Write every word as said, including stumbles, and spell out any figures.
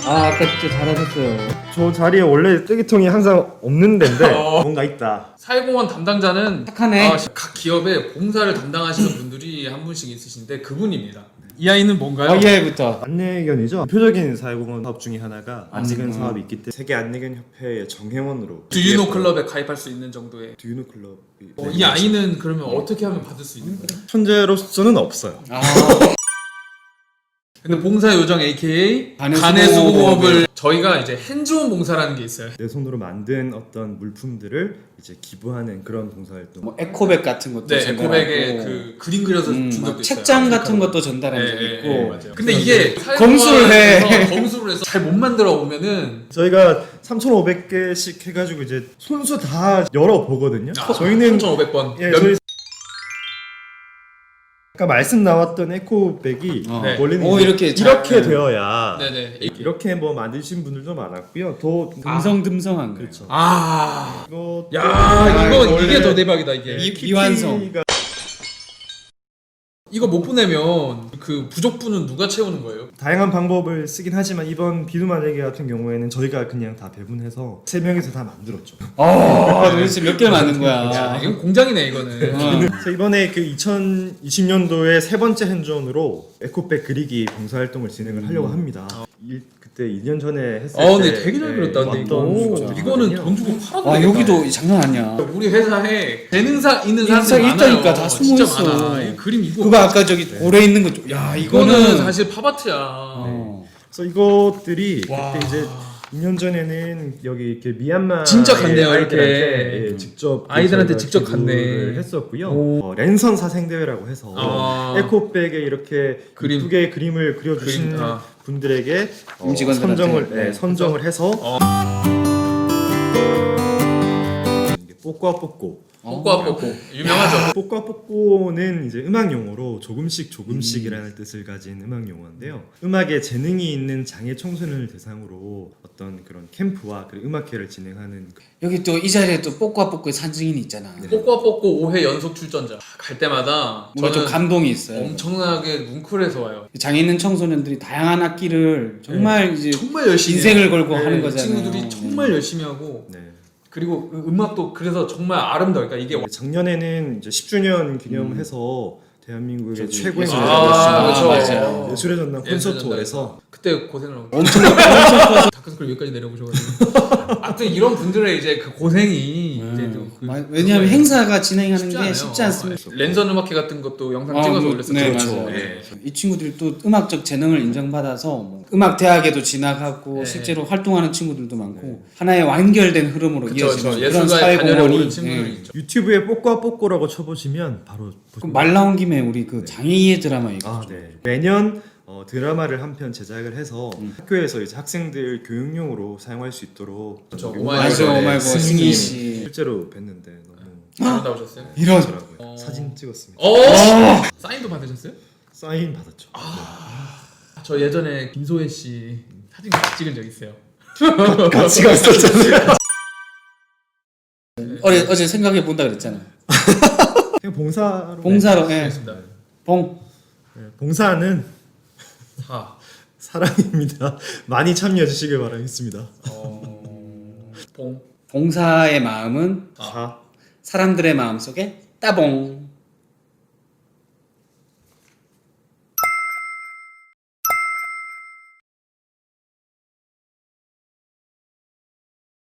아 아까 진짜 잘하셨어요. 저 자리에 원래 쓰레기통이 항상 없는 데인데 뭔가 있다. 사회공헌 담당자는 착하네. 아, 각 기업에 봉사를 담당하시는 분들이 한 분씩 있으신데 그분입니다. 이 아이는 뭔가요? 어, 이 아이부터. 안내견이죠. 대표적인 사회공헌 사업 중에 하나가 안내견 음. 사업이 있기 때문에 세계 안내견 협회의 정회원으로 두유노 클럽에 가입할 수 있는 정도의. 두유노 클럽이 어, 이 아이는 그러면 어떻게 하면 받을 수 있는 거예요? 현재로서는 없어요. 아 근데 봉사 요정 에이케이 간의 간의 수공업을 수공업을 저희가 이제 핸즈온 봉사라는 게 있어요. 내 손으로 만든 어떤 물품들을 이제 기부하는 그런 봉사활동. 뭐 에코백 같은 것도 네, 전달하고. 에코백에 그 그림 그려서 음, 준 막 적도 있어요. 책장 같은 아프리카로. 것도 전달한 적이 네, 있고. 네, 맞아요. 근데 이게 검수를 해. 사회공헌에서 검수를 해서 잘 못 만들어 오면은 저희가 삼천오백 개씩 해가지고 이제 손수 다 열어보거든요. 아, 저희는 삼천오백 번. 예, 몇- 저희 아까 말씀 나왔던 에코백이 어. 네. 원래는 오, 이제 이렇게 잘- 이렇게 되어야 네네. 이렇게 뭐 만드신 분들도 많았고요. 더 듬성듬성한 거예요. 그렇죠. 아, 이거 야, 이거 원래 이게 더 대박이다 이게. 이- 미완성. 키티가 이거 못 보내면 그 부족분은 누가 채우는 거예요? 다양한 방법을 쓰긴 하지만 이번 비누만들기 같은 경우에는 저희가 그냥 다 배분해서 세 명이서 다 만들었죠. 아 도대체 몇 개를 만든 거야. 야, 이건 공장이네 이거는. 어. 그래서 이번에 그 이천이십 년도에 세 번째 핸즈온으로 에코백 그리기 봉사활동을 진행을 하려고 합니다. 일, 그때 이 년 전에 했을 어, 때 근데 되게 잘 그렸다. 근데 이거 왔던 오, 분들이거든요. 이거는 돈 주고 팔아도 아 되겠다. 여기도 장난 아니야. 우리 회사에 재능사 있는 인상 사람들 많아요. 있다니까, 다 진짜 숨어 있어. 많아. 이 그림 이거. 그거 아까 저기 오래 있는 거. 좀- 야 이거는 이거는 사실 팝아트야. 어. 그래서 이것들이 와. 그때 이제 이 년 전에는 여기 이렇게 미얀마 진짜 갔네요, 이렇게. 예, 직접 아이들한테 저희가 직접 기부를 갔네. 했었고요. 오. 어, 랜선 사생 대회라고 해서 아. 에코백에 이렇게 그림. 이쁘게 그림을 그려주신 그림, 아. 분들에게 어, 임직원들한테. 선정을 네. 네, 선정을 해서 어. 이게 뽀꼬아 뽀꼬 뽀꼬아 뽀꼬 유명하죠. 뽀꼬아 뽀꼬는 이제 음악 용어로 조금씩 조금씩이라는 뜻을 가진 음악 용어인데요. 음악에 재능이 있는 장애 청소년을 대상으로 어떤 그런 캠프와 그리고 음악회를 진행하는 그- 여기 또 이 자리에 또 뽀꼬아 뽀꼬의 산증인이 있잖아. 뽀꼬아 뽀꼬 오 회 연속 출전자. 갈 때마다 뭔가 좀 저는 감동이 있어요. 엄청나게 뭉클해서 와요. 장애 있는 청소년들이 다양한 악기를 정말 이제 정말 열심히 인생을 해요. 걸고 네, 하는 이 거잖아요. 친구들이 정말 열심히 하고 네. 그리고 음- 음악도 그래서 정말 아름다워. 그러니까 이게 작년에는 이제 십 주년 기념해서 대한민국의 저기 최고의 예술의 예술의 전당. 전당, 아, 그렇죠. 맞아요. 예술의 전당 예술의 콘서트홀에서 그때 고생을 하고 엄청 엄청 커서 다크서클 여기까지 내려오셔가지고 아무튼 이런 분들의 이제 그 고생이 이제 또 그, 마- 왜냐하면 행사가 진행하는 쉽지 게 않아요. 쉽지 않습니다. 네. 랜선 음악회 같은 것도 영상 아, 찍어서 뭐, 올렸었죠. 네, 그렇죠. 맞아요. 네. 이 친구들이 또 음악적 재능을 인정받아서 뭐 음악 대학에도 진학하고 네. 실제로 활동하는 친구들도 많고 하나의 완결된 흐름으로 그쵸, 이어지는 그쵸. 그런 예술가의 단열에 사회공헌이 오른 친구들이 예. 있죠. 유튜브에 뽀꼬아 뽀꼬라고 쳐보시면 바로 그럼 말 나온 김에 우리 그 장애의 드라마 얘기 아, 좀. 네. 매년 어, 드라마를 한 편 제작을 해서 음. 학교에서 이제 학생들 교육용으로 사용할 수 있도록 그쵸, 그 오마이걸. 맞아, 오마이걸 승희 승희 씨. 실제로 뵀는데 너무 잘 나오셨어요? 이런 좋더라고요. 어. 사진 찍었습니다. 어! 사인도 받으셨어요? 사인 받았죠. 저 예전에 김소혜 씨 사진 같이 찍은 적 있어요. 네. 같이 갔었잖아요. 어제 어제 생각해 본다 그랬잖아. 그냥 봉사로. 봉사로 예. 알겠습니다. 봉 네, 봉사는 사. 사랑입니다. 많이 참여해 주시길 바라겠습니다. 어... 봉. 봉사의 마음은 아. 사. 사람들의 마음 속에 따봉.